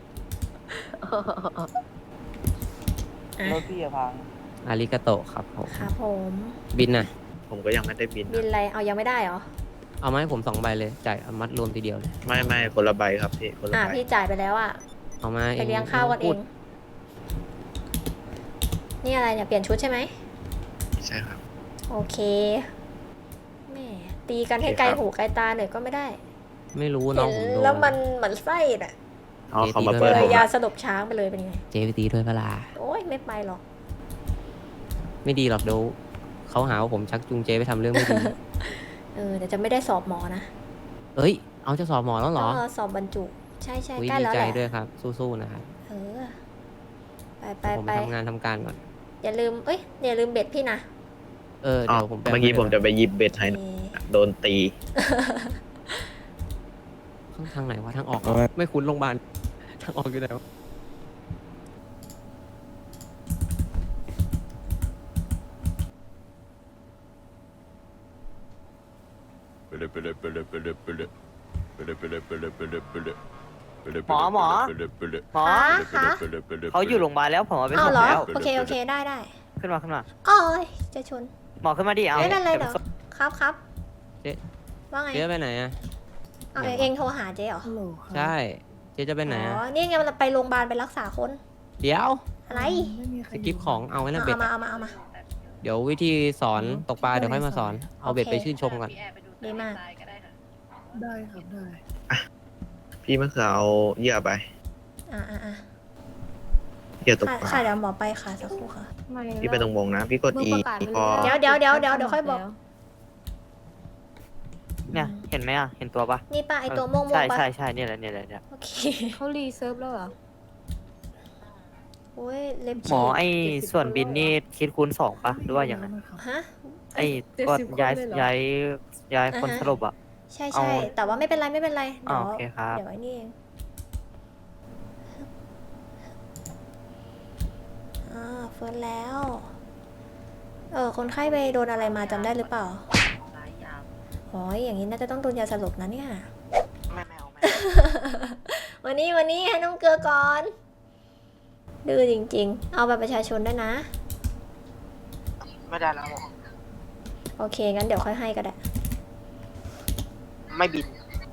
Speaker 1: อ่ะ
Speaker 10: รถพี่อะพัง
Speaker 8: อาริกาโตะครับผม
Speaker 1: ครับผม
Speaker 8: บินน่ะ
Speaker 3: ผมก็ยังไม่ได้บิน
Speaker 1: บินอะไรเอายังไม่ได้เหรอ
Speaker 8: เอามาให้ผมสองใบเลย จ่ายมัดรวมทีเดียวเลย
Speaker 3: ไม่ไม่คนละใบครับพี่คนละ
Speaker 1: อ่ะ
Speaker 3: ใบ
Speaker 1: พี่จ่ายไปแล้วอ่ะ
Speaker 8: เอามา
Speaker 1: ไปเลี้ยงข้าวกันเอ
Speaker 8: พูด
Speaker 1: งนี่อะไรเนี่ยเปลี่ยนชุดใช่ไหม
Speaker 3: ใช่ครับ
Speaker 1: โอเคแหม่ตีกันให้ไกลหูไกลตาหน่อยก็ไม่ได้
Speaker 8: ไม่รู้น้องผม
Speaker 1: เห็น
Speaker 8: โดน
Speaker 1: แล้วมันเหมือนไส้น่ะ
Speaker 3: อ๋อเขามา
Speaker 8: เจ
Speaker 3: เปิด
Speaker 1: เล
Speaker 3: ผ
Speaker 1: ย
Speaker 3: ม
Speaker 1: ยา
Speaker 3: อะ
Speaker 1: สลบช้างไปเลยเป็นไง
Speaker 8: เจ๊ไปตีด้วยเวลา
Speaker 1: โอ้ยไม่ไปหรอก
Speaker 8: ไม่ดีหรอกเดี๋ยวเขาหาว่าผมชักจูงเจ๊ไปทำเรื่องไม่ดี
Speaker 1: เออเดี๋ยวจะไม่ได้สอบหมอนะ
Speaker 8: เอ้ย เอาจะสอบหมอแล้วเหรอ
Speaker 1: ก็สอบบรรจุ ใช่ใช่
Speaker 8: อุ๊ย
Speaker 1: ใกล้
Speaker 8: ดี
Speaker 1: แล้ว
Speaker 8: ใจ
Speaker 1: แหละ
Speaker 8: ด้วยครับ สู้ๆนะครับ
Speaker 1: เออไปไป
Speaker 8: ผม
Speaker 1: ไป
Speaker 8: ทำงานทำการก่อน
Speaker 1: อย่าลืมเอ้ยอย่าลืมเบ็ดพี่นะ
Speaker 8: เออ
Speaker 3: อ๋อ
Speaker 8: เดี๋ยวผมไป
Speaker 3: เมื่อกี้ผมจะไปหยิบเบ็ดให้
Speaker 1: โอ
Speaker 3: นะ
Speaker 1: เค
Speaker 3: โดนตี
Speaker 8: ข้างทางไหนวะทางออกเหรอไม่คุ้นโรงพยาบาลทางออกอยู่ไหนวะ
Speaker 10: หมอหมอ หมอ
Speaker 1: คะ
Speaker 10: เขาอยู่โรงพยาบาลแล้วผมเอาไป
Speaker 1: อ้า
Speaker 10: ส่
Speaker 1: ว
Speaker 10: ง
Speaker 1: เหรอ
Speaker 10: แล้ว
Speaker 1: โอเคโอเคได้ได้
Speaker 10: ขึ้นมาขึ้นมา
Speaker 1: อ้อยจะชน
Speaker 10: หมอขึ้นมาดิเอา
Speaker 1: ไม่เป็นไรเหรอครับครับ
Speaker 8: เจ๊
Speaker 1: ว่าไง
Speaker 8: เจ๊ไปไหนอ่ะ
Speaker 1: เอาเองโทรหาเจ๊เหรอ
Speaker 8: ใช่ เจ๊จะไปไหน
Speaker 1: อ๋
Speaker 8: อ่ะ
Speaker 1: อนี่ไงมันไปโรงพยาบาลไปรักษาคน
Speaker 8: เดี๋ยว
Speaker 1: อะไร
Speaker 8: สกิปของเอาไว้นะเบ็
Speaker 1: เอา
Speaker 8: ด
Speaker 1: มา
Speaker 8: อะ
Speaker 1: เอามาเอามา
Speaker 8: เดี๋ยววิธีสอนตกปลาเดี๋ยวค่อยมาสอน เอาเบ็ดไปชื่นชมก่อน
Speaker 1: ดีมาก
Speaker 9: ได้ครับได้
Speaker 3: พี่มะเขือเอาเหยื่อไป
Speaker 1: อ่าอ่าอ่า
Speaker 3: เหยื่อตก
Speaker 1: ค่ะ
Speaker 3: ปลา
Speaker 1: ค่ะเดี๋ยวหมอไปค่ะสักครู่ค่ะ
Speaker 3: พี่ไปตรงวงนะ พี่กด E พอ
Speaker 1: เดี๋ยวเดี๋ยวเดี๋ยวเดี๋ยวเดี๋ยวค่อยบอก
Speaker 10: เนี่ยเห็นไหมอ่ะเห็นตัวปะ
Speaker 1: นี่ป่ะไอตัวม่วงม่ว
Speaker 10: ใช่
Speaker 1: งป่ะ
Speaker 10: ใช่ใช่เนี่ยแหละเนี่ยแหละเนี่ย
Speaker 1: โอเค
Speaker 4: เขารีเซิร์ฟแล้วเหรอ
Speaker 1: โอ้ยเล็บ
Speaker 10: หมอ
Speaker 1: ฉีก
Speaker 10: ไอ้ส่วนบินนี่คิดคูณสองปะหรือว่าอย่างไร
Speaker 1: ฮะ
Speaker 10: ไอ้ก็ย้ายย้ายย้ายคน
Speaker 1: อ่าฮะ
Speaker 10: สลบอ่ะ
Speaker 1: ใช่
Speaker 10: เอา
Speaker 1: ใช่แต่ว่าไม่เป็นไรไม่เป็นไร
Speaker 10: อ๋
Speaker 1: เดี๋ยว
Speaker 10: อโอเคครับ
Speaker 1: เดี๋ยวไอ้นี่เองอ่าเฟิร์นแล้ว เออคนไข้ไปโดนอะไรมาจำได้หรือเปล่าอ๋ออย่างนี้น่าจะต้องโดนยาสลบนะเนี่ย
Speaker 5: ไม่ไม่เอาไม่
Speaker 1: วันนี้วันนี้ให้น้องเกลือก่อนดื้อจริงๆ เอาบัตรประชาชนด้วยนะ
Speaker 5: ไม่ได้แล้วหมอ
Speaker 1: โอเค งั้นเดี๋ยวค่อยให้ก็ได้
Speaker 5: ไม่บิน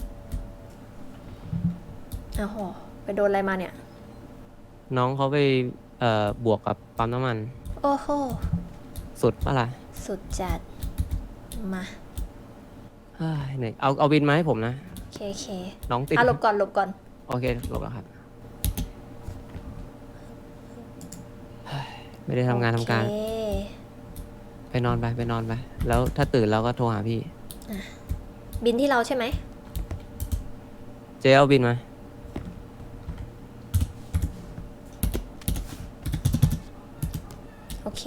Speaker 1: อ้าวโหไปโดนอะไรมาเนี่ย
Speaker 8: น้องเขาไปเอ่อบวกกับปั๊มน้ำมัน
Speaker 1: โอ้โห
Speaker 8: สุดปะล่ะ
Speaker 1: สุดจัด มา
Speaker 8: เฮ้ยเหนื่อยเอาเอาบินมาให้ผมนะ
Speaker 1: โอเคโอเค
Speaker 8: น้องติด
Speaker 1: อ่ะหลบก่อนหลบก่อน
Speaker 8: โอเคหลบแล้วครับไม่ได้ทำงานทำการ
Speaker 1: โอเค
Speaker 8: ไปนอนไปไปนอนไป แล้วถ้าตื่นเราก็โทรหาพี่
Speaker 1: บินที่เราใช่ไหม
Speaker 8: เจ๊เอาบินมา
Speaker 1: โอเค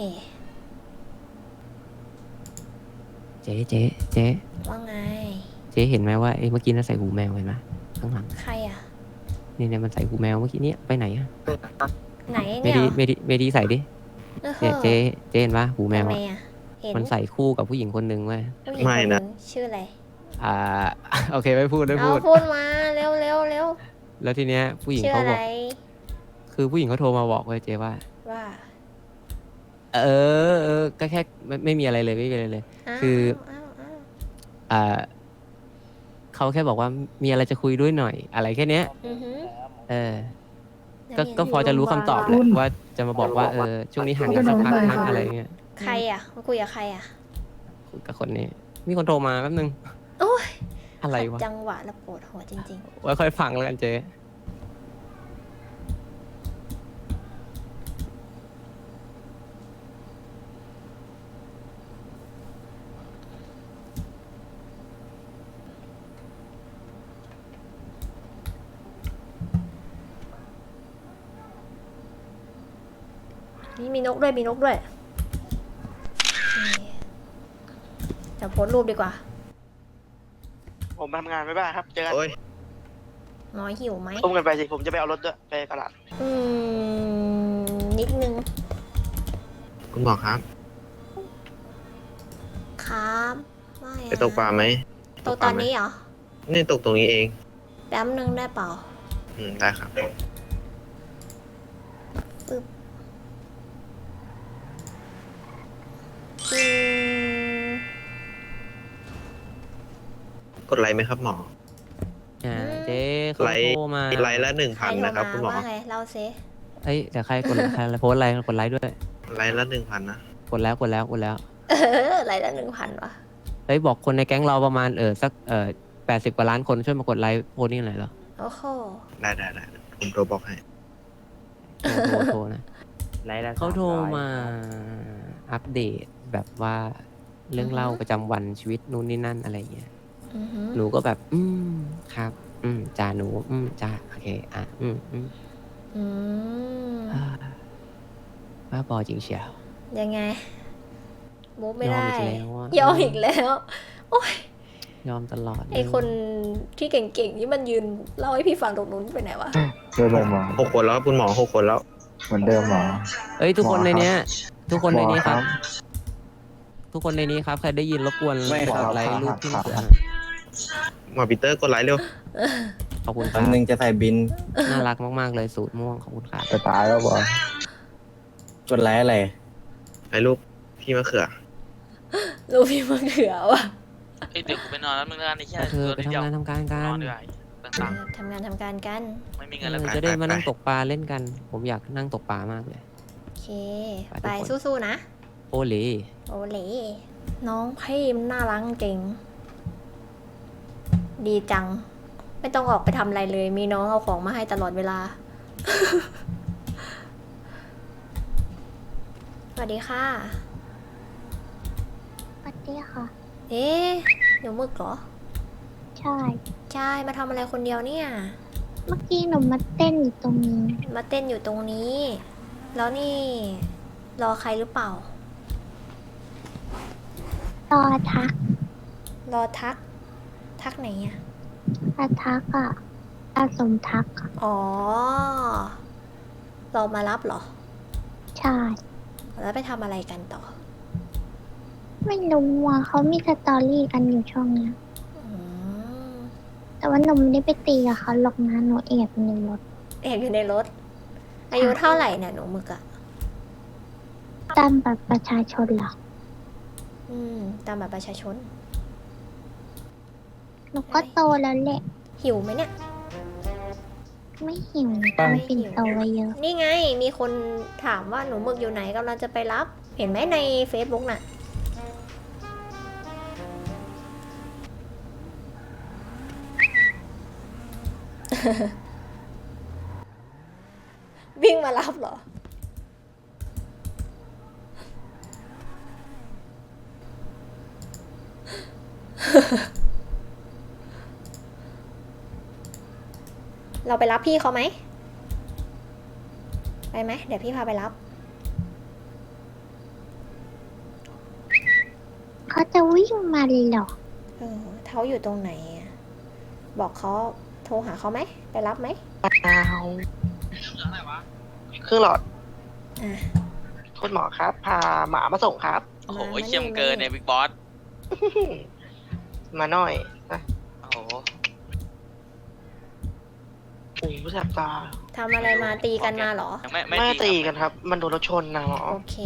Speaker 8: เจ๊เจ๊เจ๊
Speaker 1: ว่าไง
Speaker 8: เจ๊เห็นไหมว่าไอ้เมื่อกี้น่าใส่หูแมวเห็นไหมข้างหลัง
Speaker 1: ใครอ่ะ
Speaker 8: นี่เนี่ยมันใส่หูแมวเมื่อกี้เนี้ยไปไหนอะ
Speaker 1: ไหน
Speaker 8: เม
Speaker 1: เนี่ย
Speaker 8: ดีเมดีเมดีใส่ดิ
Speaker 1: เออ
Speaker 8: เนี่ยเจ๊เจ๊เห็นปะหูแมว
Speaker 1: ทำไม
Speaker 8: อะ
Speaker 1: อ่ะ เห็น
Speaker 8: มันใส่คู่กับผู้หญิงคนหนึ่งเว้ย
Speaker 1: ผู้หญิง
Speaker 2: ไม่
Speaker 1: คนห
Speaker 2: นะ
Speaker 1: งชื่ออะไร
Speaker 8: อ่า โอเคไม่พูดไม่
Speaker 1: เอา
Speaker 8: พูด
Speaker 1: พูดมา เร็วเร็วเร็ว
Speaker 8: แล้วทีเนี้ยผู้หญิง
Speaker 1: ชื่อ
Speaker 8: เขา
Speaker 1: อะ
Speaker 8: บ
Speaker 1: ไร
Speaker 8: อก คือผู้หญิงเขาโทรมาบอกเว้ยเจ๊ว่า
Speaker 1: ว่า
Speaker 8: เออเออก็แค่ไม่ไม่มีอะไรเลยไม่มีอะไรเลย
Speaker 1: อ้าว
Speaker 8: คือ
Speaker 1: อ้าวอ้าว
Speaker 8: อ่าเขาแค่บอกว่ามีอะไรจะคุยด้วยหน่อย อะไรแค่เนี้ย
Speaker 1: อือหือ
Speaker 8: เออ
Speaker 1: แล้ว
Speaker 8: ก็
Speaker 1: เนี่ย
Speaker 8: ก็พอจะรู้คำตอบแหละว่าจะมาบอกว่าเออช่วงนี้ห่างกันสักพักนะอะไรเงี้ย
Speaker 1: ใครอ่ะมาคุยกับใครอ่ะ
Speaker 8: คุยกับคนนี้ มีคนโทรมาแป๊บนึง
Speaker 1: โอ้ย
Speaker 8: อะไรวะ
Speaker 1: ขัดจังหวะแล้วปวดหัวจริง
Speaker 8: ไว้ค่อยฟังแล้วกันเจ๊
Speaker 1: ๆ นี่มีนกด้วย มีนกด้วยนี่จะโพสต์รูปดีกว่า
Speaker 5: ผมมาทำงานไม่บ้ายครับ เจอกัน
Speaker 2: โอ้ย
Speaker 1: น้อยหิวไหม
Speaker 5: อุ้มกันไปสิ ผมจะไปเอารถด้วยไปตลาด
Speaker 1: อืม นิดนึง
Speaker 2: คุณหมอครับ
Speaker 1: ครับไม่
Speaker 2: ไปตกปลาไหม
Speaker 1: ตกตอนนี้เหรอ
Speaker 2: นี่ตกตรงนี้เอง
Speaker 1: แป๊บนึงได้เปล่า
Speaker 2: อืม ได้ครับ
Speaker 1: ปึ๊บอืม
Speaker 2: กดไลค์ไหมครับหมอ
Speaker 8: อ่าเจ๊เขา
Speaker 2: ไลค์
Speaker 8: โทรมา
Speaker 2: ไลค์ละหนึ่ง
Speaker 1: ใคร
Speaker 2: พัน
Speaker 1: โทร
Speaker 2: นะครับ
Speaker 1: มา
Speaker 2: คุณหมอ
Speaker 1: ว่าไงเล่าซิ
Speaker 8: เอ้ยแต่ใครกดใครโพสต์อะไรกดไลค์ด้วย
Speaker 2: ไลค์ละหนึ่งพันนะ
Speaker 8: กดแล้วกดแล้วกดแล้ว
Speaker 1: เอออะไรละหนึ่งพันวะ
Speaker 8: เฮ้ยบอกคนในแก๊งเราประมาณเออสักเออแปดสิบกว่าล้านคนช่วยมากดไลค์โพสต์นี่หน่อยเหรอ
Speaker 1: โอ้โห
Speaker 2: ได้ได้ได้ผมโทรบอกให้
Speaker 8: โทรโทรโทรนะเขาโทรมาอัปเดตแบบว่าเรื่องเล่าประจำวันชีวิตนู่นนี่นั่นอะไรอย่างเงี้ย
Speaker 1: อือหือ
Speaker 8: หนูก็แบบ อืมครับ อืมจ่าหนู อืมจ่าโอเค อ่ะ อืมอืม
Speaker 1: อืม
Speaker 8: อ่าบ้าบอจริงเชียว
Speaker 1: ยังไงมูฟไม่
Speaker 8: ยอม
Speaker 1: ได้
Speaker 8: อีกแล้วอะ
Speaker 1: ยอมอีกแล้ว โอ้ย
Speaker 8: ยอมตลอด
Speaker 1: ไอคนที่เก่งๆนี่มันยืนเล่าให้พี่ฟังตรงนู้นไปไหนวะ
Speaker 2: เดิมหมอหกคนแล้วคุณหมอหกคนแล้ว เหมือนเดิมหมอ
Speaker 8: เอ้ย ทุกคนในเนี้ย ทุกคนในนี้ครับ
Speaker 2: หมอครับ
Speaker 8: ทุกคนในนี้ครับ ใครได้ยินรบกวน
Speaker 2: ไม่ครับ
Speaker 8: กดไลค์
Speaker 2: ครับ
Speaker 8: รูปที่
Speaker 2: ครั
Speaker 8: มะ
Speaker 2: บ
Speaker 8: เขือ
Speaker 2: หมอปีเตอร์กดไลค์เร็ว
Speaker 8: ขอบคุณครับ
Speaker 2: นึงจะใส่บิน
Speaker 8: น่ารักมากๆเลยสูตรม่วง ขอบคุณครับ
Speaker 2: จะตายแล้วบอ
Speaker 9: กดไลค์อะไร
Speaker 2: ไอ้รูปพี่มะเขือ
Speaker 1: รูปพี่มะเขือวะ
Speaker 11: เอ้ยเดี๋ยวกูไปนอนแล้วมึงแล้วกันไอ้เหี้ย
Speaker 8: ก็คือไปทำงานทำการกั
Speaker 11: นอน
Speaker 8: น
Speaker 11: ด้วยต่าง
Speaker 1: ทำงานทำการกัน
Speaker 11: ๆไม่มี
Speaker 8: เอ
Speaker 11: เงินแล้ว
Speaker 8: อ
Speaker 11: กัน
Speaker 8: จะได้มานั่ง
Speaker 2: ไปไป
Speaker 8: ตกปลาเล่นกัน ผมอยากนั่งตกปลามากเลย
Speaker 1: โอเค
Speaker 8: ไป
Speaker 1: ไป
Speaker 8: ทุกคน
Speaker 1: สู้ๆนะ
Speaker 8: โอเล
Speaker 1: โอเล่น้องพี่มันน่ารักเก่ง ดีจัง ไม่ต้องออกไปทำอะไรเลย มีน้องเอาของมาให้ตลอดเวลา สวัสดีค่ะ
Speaker 4: สวัสดีค่ะ
Speaker 1: เอ๊ะเดี๋ยวมึกเหรอ
Speaker 4: ใช่
Speaker 1: ใช่ มาทำอะไรคนเดียวเนี่ย
Speaker 4: เมื่อกี้หนูมาเต้นอยู่ตรงนี้
Speaker 1: มาเต้นอยู่ตรงนี้ แล้วนี่ รอใครหรือเปล่า
Speaker 4: รอทัก
Speaker 1: รอทัก ทักไหนอ่ะ
Speaker 4: อาทักอ่ะอาสมทักอะ
Speaker 1: อ๋อ รอมารับเหรอ
Speaker 4: ใช่
Speaker 1: แล้วไปทำอะไรกันต่อ
Speaker 4: ไม่รู้อ่ะเขามีสตอรี่กันอยู่ช่วงเนี้ย
Speaker 1: อืม
Speaker 4: แต่ว่าหนูไม่ได้ไปตีกับเขาหรอกนะหนูแอบอยู่ในรถ
Speaker 1: แอบอยู่ในรถ อายุเท่าไหร่เนี่ยหนูมึกอะ
Speaker 4: ตามบัตรประชาชนเหรอ
Speaker 1: อืม ตามบัตรประชาชน
Speaker 4: หนูก็โตแล้วแหละ
Speaker 1: หิวไหมเนี่ย
Speaker 4: ไม่หิวทำปิ่นโตไว้เยอะ
Speaker 1: นี่ไง มีคนถามว่าหนูมึกอยู่ไหนกำลังจะไปรับ เห็นไหมใน Facebook น่ะ วิ่งมารับเหรอเราไปรับพี่เขาไหมไปไหมเดี๋ยวพี่พาไปรับ
Speaker 4: เขาจะวิ่งมาเลยเหรอ
Speaker 1: เออเขาอยู่ตรงไหนอะบอกเขาโทรหาเขาไหมไปรับไหม
Speaker 5: เอาเครื่องหลอด
Speaker 1: อ่ะ
Speaker 5: คุณหมอครับ พาหมามาส่งครับ
Speaker 11: โอ้โห
Speaker 1: มา
Speaker 11: เขี้ยม
Speaker 1: มา
Speaker 11: เกินเนี่ยบิ๊กบอส
Speaker 5: มาหน่อยนะ
Speaker 11: โอ้โห
Speaker 5: โอ้โหแสบตา
Speaker 1: ทำอะไรมาตีกันมาเหรอ
Speaker 11: ยังไม่ไม่
Speaker 5: ไม่
Speaker 11: ตี
Speaker 5: ตี
Speaker 11: ค
Speaker 5: กันครับ มันโดนรถชนนะหมอ
Speaker 1: โอเค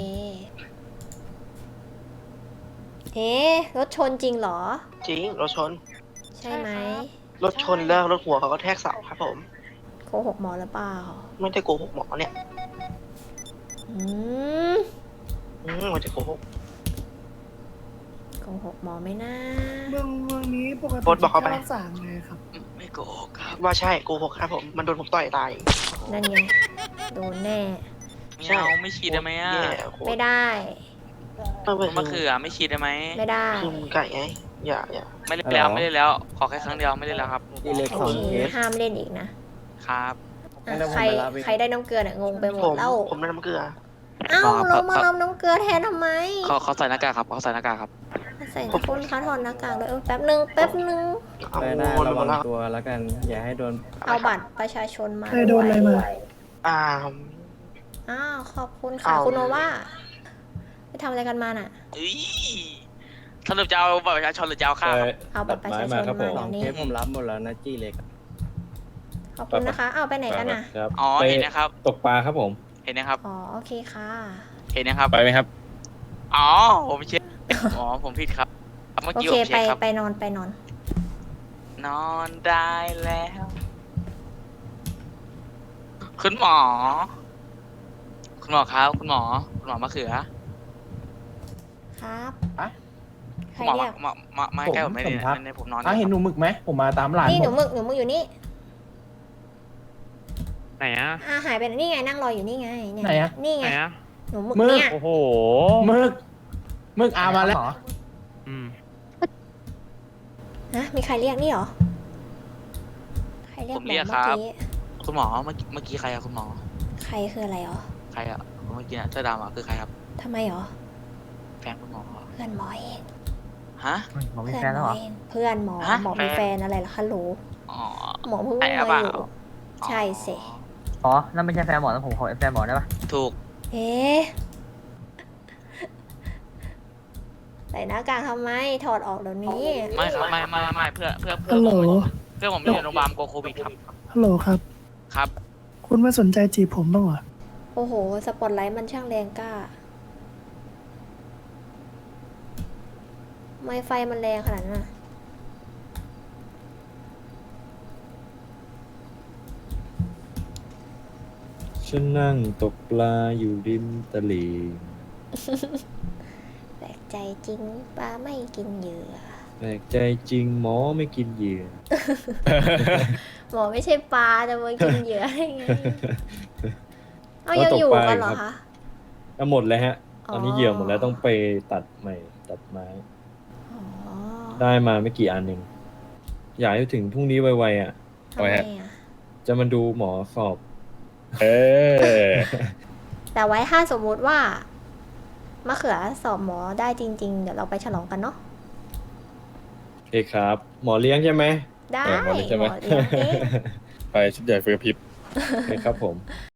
Speaker 1: เอ๊ะรถชนจริงเหรอ
Speaker 5: จริงรถชน
Speaker 1: ใช่ไหม
Speaker 5: รถชนแล้วรถหัวเขาก็แทกเสาครับผม
Speaker 1: โกหกหมอหรือเปล่า
Speaker 5: ไม่ได้โกหกหมอเนี่ย
Speaker 1: อืม
Speaker 5: อืมไม่ได้โกหก
Speaker 1: โกหกหมอไม่น่า
Speaker 12: เมืองเมืองนี้ปกติ
Speaker 5: โพสต์บอกเขาไป
Speaker 12: รักษาไงครับ
Speaker 11: ไม่โกหกครับ
Speaker 5: ว่าใช่โกหกครับผม มันโดนผมต่อยตาย
Speaker 1: นั่นไงโดนแน่
Speaker 11: ไม่เอาไม่ฉีดได้ไหมอ่ะ
Speaker 5: แย่โคตร
Speaker 1: ไม่ได้
Speaker 5: ไม่ไม่
Speaker 11: มะเขือไม่ฉีดได้ไหม
Speaker 1: ไม่ได้
Speaker 5: คือไก่ไง อย่าอย่า
Speaker 11: ไม่เล่นแล้วไม่เล่นแล้ว ขอแค่ครั้งเดียวไม่เล่นแล้วครับ
Speaker 8: ดีเล็ก
Speaker 1: โอ
Speaker 8: สอง
Speaker 1: เค
Speaker 8: เคส
Speaker 1: ห้ามเล่นอีกนะครับ อ่ะ
Speaker 8: งั้นเดี๋ยวผม
Speaker 1: ใคร
Speaker 8: ไปรับเอง
Speaker 1: ใครได้น้ำเกลือเนี่ยงงไปหม
Speaker 5: ผ
Speaker 1: ด
Speaker 5: ม
Speaker 1: แล้ว
Speaker 5: ผมได้น้ำเกลือ
Speaker 1: เอ้า
Speaker 11: ครับ
Speaker 1: เรามา
Speaker 11: ครับ
Speaker 1: รับน้ำเกลือแทนทำไม
Speaker 11: เขาเขาใส่หน้ากากครับเขาใส่หน้ากากครับ
Speaker 1: ใส่คนคะถอดหน้ากากเลยเออแป๊บนึงแป๊บนึง
Speaker 5: เอา
Speaker 8: ได้ได้
Speaker 5: วน
Speaker 8: ระ
Speaker 5: หม
Speaker 8: วั
Speaker 5: ด
Speaker 8: ง
Speaker 5: แล้ว
Speaker 8: ตัวแล้วกัน อย่าให้โดน
Speaker 1: เอาบัตรประชาชนมา
Speaker 12: เคยโดนอะไรมา
Speaker 5: อ่า
Speaker 1: อ้าวขอบคุณค่ะ
Speaker 5: เอา
Speaker 1: คุณโนว่าไปทำอะไรกันมาน่ะ
Speaker 11: เอ้ยสรุปจะเอาบัตรประชาชนหรือจะเอาข้าวครับ
Speaker 1: เอาบัตรประชาชน
Speaker 3: ตัดไม้มาครับผม
Speaker 1: มา
Speaker 8: สอง
Speaker 1: เดี๋ยว
Speaker 8: เค
Speaker 1: นี้
Speaker 8: สผมรับหมดแล้วนะจี้เล็ก
Speaker 1: ขอบคุณนะคะ เอาไปไหนกันน่ะ
Speaker 3: ครับ
Speaker 11: อ๋อ
Speaker 3: ไป
Speaker 11: เห็นนะครับ
Speaker 3: ตกปลาครับผม
Speaker 11: เห็นนะครับ
Speaker 1: อ๋อโอเคค่ะ
Speaker 11: เห็นนะครับ
Speaker 6: ไปไหมครับ
Speaker 11: อ๋อผมเช็คอ๋อผมผิดครับเมื่อ
Speaker 1: โอ
Speaker 11: กี้
Speaker 1: เค
Speaker 11: ผม
Speaker 1: ไป
Speaker 11: เช็คครับ
Speaker 1: ไปนอนไปนอน
Speaker 11: นอนได้แล้ว คุณหมอ คุณหมอครับ คุณหมอ คุณหมอมะเขือ
Speaker 1: ครับ
Speaker 12: อะ
Speaker 1: ใค
Speaker 11: คุ
Speaker 1: ร
Speaker 11: ณหมอ
Speaker 1: เรียก
Speaker 11: มามามาใกล้ผมไม่ได้
Speaker 12: ผมครับ
Speaker 11: ไม่ได้ผมนอน
Speaker 12: อ่ะเห็นหนูหมึกไหมผมมาตามหลาน
Speaker 1: นี่ห
Speaker 12: ผ
Speaker 1: นู
Speaker 12: ม
Speaker 1: มึกหนูมึกอยู่นี่
Speaker 8: ไหนอ่ะ
Speaker 1: อ่าหายไปไหนนี่ไงนั่งรออยู่นี่ไงเนี่ย
Speaker 12: ไหนอะ
Speaker 1: นี่ไง
Speaker 8: ไหนอ่ะ
Speaker 1: หนูมึก
Speaker 12: มึก
Speaker 1: เนี่ย
Speaker 8: โอ้โห
Speaker 12: หมึกหมึกอามาแล้ว
Speaker 8: อืม
Speaker 1: ฮะมีใครเรียกนี่เหรอใครเรียก
Speaker 11: ผมเรียก
Speaker 1: ห
Speaker 11: ค
Speaker 1: อ
Speaker 11: รับ
Speaker 1: เมื่อกี้
Speaker 11: คุณหมอเมื่อกี้เมื่อกี้ใครอะคุณหมอ
Speaker 1: ใครคืออะไรเหรอ
Speaker 11: ใครอะเมื่อกี้น่ะเสื้อดำอะคือใครครับ
Speaker 1: ทำไมเหรอ
Speaker 11: แฟนคุณหมอเหรอ
Speaker 1: เพื่อนหมอเอง
Speaker 11: ฮะ
Speaker 1: เพื่อนหมอเองเพื่อนหมอ
Speaker 11: ฮะ
Speaker 1: หมอมี
Speaker 11: แฟน
Speaker 1: แฟนอะไรเหรอคะหรู
Speaker 11: อ๋อ
Speaker 1: หมอเพิ่ง
Speaker 11: ไอ้
Speaker 1: มา
Speaker 11: อะเปล่า
Speaker 1: อยู่ใช่สิ
Speaker 10: อ๋อ นั่นไม่ใช่แฟนหมอแล้วผมขอแฟนหมอได้ปะ
Speaker 11: ถูก
Speaker 1: เอ๊ะใส่หน้ากากทำไมถอดออกเดี๋ยวนี้
Speaker 11: ไม่ครับไม่ไม่ไม่เพื่อเพื่อเพื่อ
Speaker 12: ฮัลโหล
Speaker 11: ผมเพื่อผมอยู่ในโรงพยาบาลโกโควิดครับ
Speaker 12: ฮัลโหลครับ
Speaker 11: ครับ
Speaker 12: คุณไม่สนใจจีบผมบ้างเหรอ
Speaker 1: โอ้โห สปอตไลท์มันช่างแรงกล้า ไม่ไฟมันแรงขนาดนั้นน่ะ
Speaker 3: ฉันนั่งตกปลาอยู่ริมตลิ่ง
Speaker 1: แปลกใจจริงปลาไม่กินเหยื่อ
Speaker 3: แปลกใจจริงหมอไม่กินเหยื่อ
Speaker 1: หมอไม่ใช่ปลาจะมากินเหยื่อได้ไง เอายังอยู่กันเหรอคะ
Speaker 3: ก็หมดแล้วฮะ
Speaker 1: อ๋อ
Speaker 3: ตอนนี้เหยื่อหมดแล้วต้องไปตัดใหม่ตัดไม้
Speaker 1: อ๋อ
Speaker 3: ได้มาไม่กี่อันเองอยากให้ถึงพรุ่งนี้ไวๆอ่ะ
Speaker 1: ทำไมอ่ะ
Speaker 3: จะมาดูหมอสอบ
Speaker 6: เออ
Speaker 1: แต่ไว้ถ้าสมมุติว่ามะเขือสอบหมอได้จริง ๆ เดี๋ยวเราไปฉลองกันเนาะ
Speaker 3: โอเคครับ หมอเลี้ยงใช่ไหม
Speaker 1: ได้
Speaker 6: เออหมอเลี้ยงใช่ไหม
Speaker 1: หมอเลี้ยงเอ๊ะ
Speaker 6: ไปชุดใหญ่เฟือพริบ
Speaker 3: โอเคครับผม
Speaker 1: โ